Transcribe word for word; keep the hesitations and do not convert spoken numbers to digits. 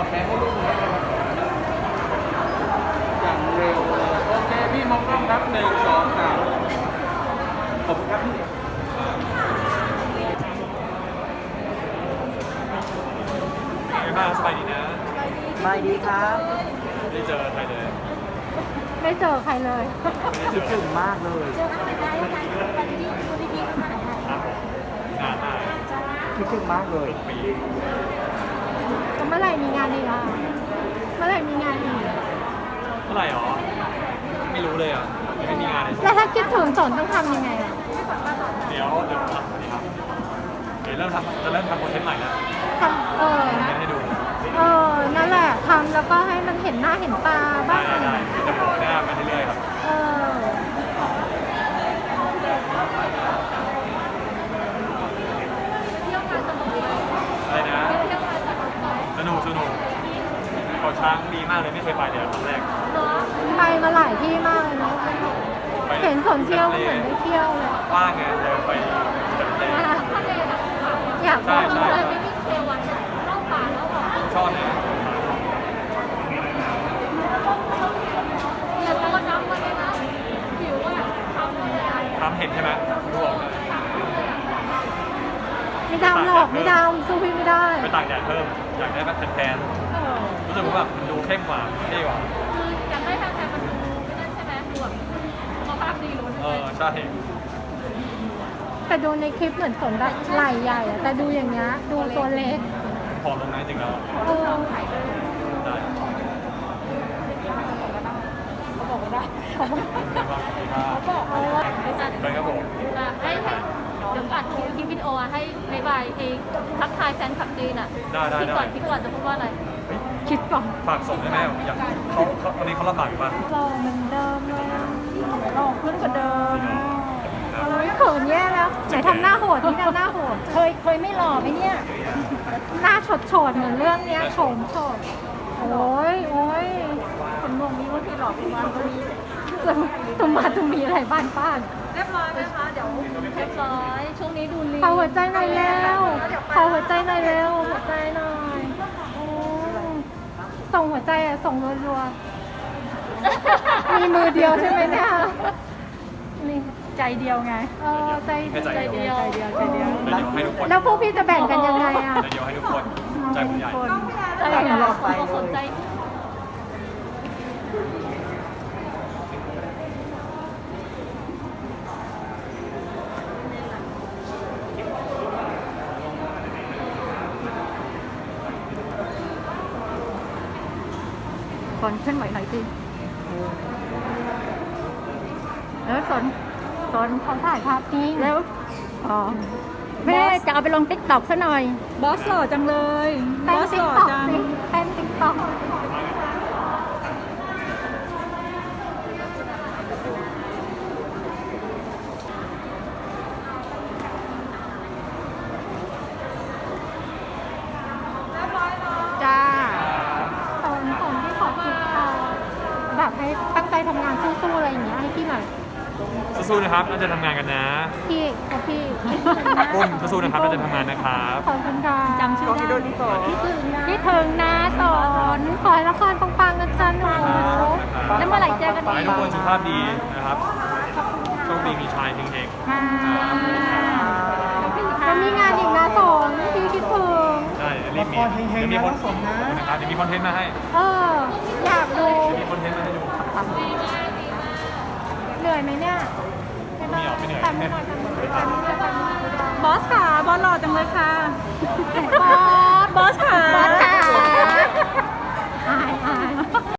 แพ้ให้ลูกนี้นะครับอย่างเร็วเลยโอเคพี่มองกล้องครับหนึ่งสองสามขอบคุณครับพี่ไม่บ้างสบายดีนะสบายดีครับไม่ได้เจอใครเลยไม่เจอใครเลยคิดถึงมากเลยเจอกันไม่ได้ค่ะวันนี้คุณพี่ๆมาหาครับผมงานมากคิดถึงมากเลยปีก็เมื่อไหร่มีงานอีกอ่ะเมื่อไหร่มีงานอีกเมื่อไหร่หรอ ไม่รู้เลยอ่ะยังไม่มีงานเลยแล้วถ้าคิดถึงสนต้องทำยังไงอ่ะเดี๋ยวเดี๋ยวทำสวัสดีครับเดี๋ยวเริ่มทำจะเริ่มทำคอนเทนต์ใหม่แล้วทำเออคอนเทนต์ให้ดูเออนั่นแหละทำแล้วก็ให้มันเห็นหน้าเห็นตาได้บ้างได้ได้จะโผล่หน้ามาเรื่อยๆครับเอออะไรนะสนุกสนุกเกาะช้างดีมากเลยไม่เคยไปเลยครั้งแรกไปมาหลายที่มากเลยเนาะไปเห็นสนเที่ยวก็เหมือนได้เที่ยวเลยว่างไงเลยไปทะเลอยากไปใช่เลยใช่ไม่วิ่งเทวันเข้าป่าแล้วหรอชอบนะแต่ตัวน้ำมันเลยนะผิวอ่ะทำเลยอ่ะทำเห็นใช่ไหมดูออกเลยไม่ดำหรอกไม่ดำสู้พี่ไม่ได้ไปตากแดดเพิ่มอยากได้แบบแทนๆรู้สึกว่าแบบมันดูเข้มกว่าเท่กว่าคืออยากได้ทางแต่มันดูไม่นั่นใช่ไหมดูแบบสุขภาพดีลุ้นเออใช่แต่ดูในคลิปเหมือนฝนแบบไหล่ใหญ่อะแต่ดูอย่างเงี้ยดูตัวเล็กผอมลงนะจริงๆแล้วเออได้เขาบอกว่าได้เขาบอกเขาบอกเออไปครับผมให้ให้เดี๋ยวอัดคลิปวิดีโออะให้บายบายเองทักทายแฟนคลับจีนอ่ะได้ได้คิดได้ก่อนคิดก่อนจะพูดว่าอะไรคิดก่อนฝากส่งได้ไหมอยากเขาเขาตอนนี้เขาลำบากอยู่ป่ะหล่อเหมือนเดิมเลยหล่อขึ้นกว่าเดิมครับเราเขินแย่แล้วไหนทำหน้าโหดที่ทำหน้าโหด เคยเคยไม่หล่อไหมเนี่ย หน้าโฉดโฉดๆเหมือนเรื่องเนี้ยโฉมโฉดโอ้ยโอ้ยคนมองนี้ว่าที่หล่อเป็นวันนี้ตุ่มมาตุ่มมีอะไรบ้านป้านเรียบร้อยไหมคะเดี๋ยวเรียบร้อยช่วงนี้ดูลีขอหัวใจหน่อยแล้วขอหัวใจหน่อยเร็วหัวใจหน่อยโอ้ส่งหัวใจอะส่งรัวๆมีมือเดียวใช่ไหมเนี่ยนี่ใจเดียวไงเออใจแค่ใจเดียวใจเดียวใจเดียวเดี๋ยวให้ทุกคนแล้วพวกพี่จะแบ่งกันยังไงอะเดี๋ยวให้ทุกคนใจคุณใหญ่ใจเดียวสนใจก่อนเคลื่อนไหวหน่อยสิแล้วสนสนเขาถ่ายภาพนี้แล้วอ๋อแม่จะเอาไปลงติ๊กต็อกซะหน่อยบอสหล่อจังเลย บเต้อน สติ๊หกล่อต็อกจังสิเต้นติ๊กต็อกจ้าสอนสอนที่ขอคิดค่ะแบบให้ตั้งใจทำงานสู้ๆอะไรอย่างเงี้ยให้พี่หน่อยสู้ๆนะครับน่าจะทำงานกันนะพี่กับพี่ปุ้มสู้ๆนะครับน่าจะทำงานนะครับขอบคุณค่ะจำชื่อได้คิดถึงนะคิดถึงนะสอนขอให้ละครปังๆนะจ๊ะหนูแล้วเมื่อไหร่เจอกันขออีให้กทุกคนสุขภาพดีนะครับโชคดีมีชายเฮงค่ะแล้วมีงานอีกนะสอนพี่คิดถึงๆได้รีบมีเดี๋ยวมีคนนะครับเดี๋ยวมีคอนเทนต์มาให้เอออยากดูเดี๋ยวมีคอนเทนต์มาให้ดูเหนื่อยไหมเนี่ยไม่เหรอไม่เหนื่อยแต่ไม่หน่อยแต่ไม่หน่อยแต่ไม่หน่อยบอสค่ะ บอสหล่อจังเลยค่ะแต่